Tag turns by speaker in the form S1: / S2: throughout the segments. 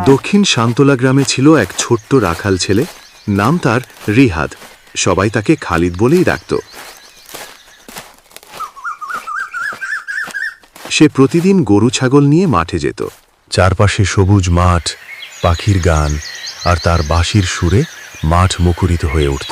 S1: দক্ষিণ শান্তলা গ্রামে ছিল এক ছোট্ট রাখাল ছেলে, নাম তার রিহাদ। সবাই তাকে খালিদ বলেই ডাকত। সে প্রতিদিন গরু ছাগল নিয়ে মাঠে যেত। চারপাশে সবুজ মাঠ, পাখির গান আর তার বাঁশির সুরে মাঠ মুখরিত হয়ে উঠত।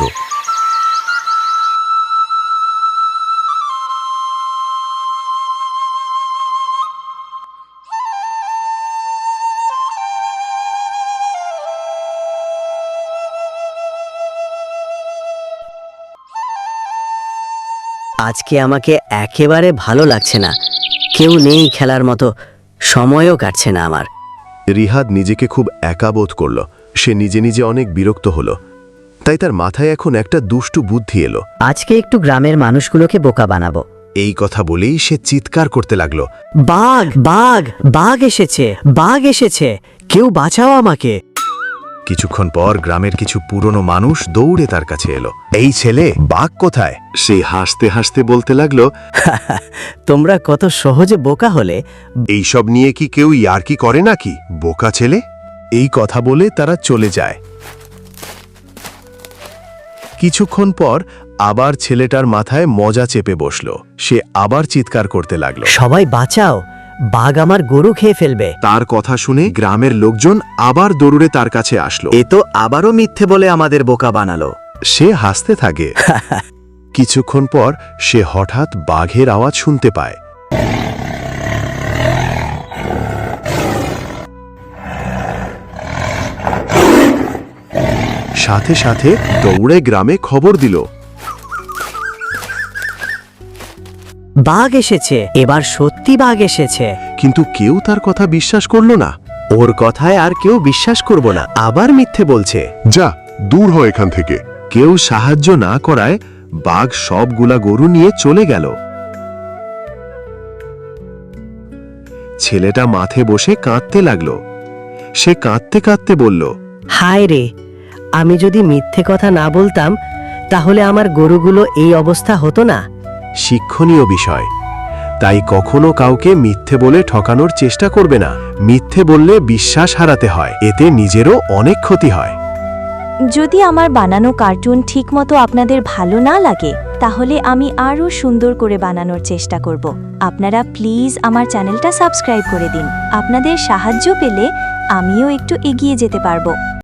S2: আজকে আমাকে একেবারে ভালো লাগছে না, কেউ নেই খেলার মতো, সময়ও কাটছে না আমার।
S1: রিহাদ নিজেকে খুব একা বোধ করল। সে নিজে নিজে অনেক বিরক্ত হলো। তাই তার মাথায় এখন একটা দুষ্টু বুদ্ধি এলো।
S2: আজকে একটু গ্রামের মানুষগুলোকে বোকা বানাবো।
S1: এই কথা বলেই সে চিৎকার করতে লাগলো,
S2: বাঘ বাঘ বাঘ এসেছে, বাঘ এসেছে, কেউ বাঁচাও আমাকে।
S1: কিছুক্ষণ পর গ্রামের কিছু পুরনো মানুষ দৌড়ে তার কাছে এলো। এই ছেলে, বাঘ কোথায়? সে হাসতে হাসতে বলতে লাগলো,
S2: তোমরা কত সহজে বোকা হলে।
S1: এইসব নিয়ে কি কেউ ইয়ার্কি করে নাকি, বোকা ছেলে? এই কথা বলে তারা চলে যায়। কিছুক্ষণ পর আবার ছেলেটার মাথায় মজা চেপে বসল। সে আবার চিৎকার করতে লাগলো,
S2: সবাই বাঁচাও, বাঘ আমার গরু খেয়ে ফেলবে।
S1: তার কথা শুনে গ্রামের লোকজন আবার দৌড়ে তার কাছে আসলো।
S2: এ তো আবারও মিথ্যে বলে আমাদের বোকা বানালো।
S1: সে হাসতে থাকে। কিছুক্ষণ পর সে হঠাৎ বাঘের আওয়াজ শুনতে পায়। সাথে সাথে দৌড়ে গ্রামে খবর দিল,
S2: বাঘ এসেছে, এবার সত্যি বাঘ এসেছে।
S1: কিন্তু কেউ তার কথা বিশ্বাস করল না। ওর কথায় আর কেউ বিশ্বাস করব না, আবার মিথ্যে বলছে।
S3: যা, দূর হ এখান থেকে।
S1: কেউ সাহায্য না করায় বাঘ সবগুলা গরু নিয়ে চলে গেল। ছেলেটা মাঠে বসে কাঁদতে লাগলো। সে কাঁদতে কাঁদতে বলল,
S2: হায় রে, আমি যদি মিথ্যে কথা না বলতাম তাহলে আমার গরুগুলো এই অবস্থা হতো না।
S1: শিক্ষণীয় বিষয়। তাই কখনো কাউকে মিথ্যে বলে ঠকানোর চেষ্টা করবে না। মিথ্যে বললে বিশ্বাস হারাতে হয়, এতে নিজেরও অনেক ক্ষতি হয়।
S4: যদি আমার বানানো কার্টুন ঠিকমতো আপনাদের ভালো না লাগে তাহলে আমি আরও সুন্দর করে বানানোর চেষ্টা করব। আপনারা প্লিজ আমার চ্যানেলটা সাবস্ক্রাইব করে দিন। আপনাদের সাহায্য পেলে আমিও একটু এগিয়ে যেতে পারবো।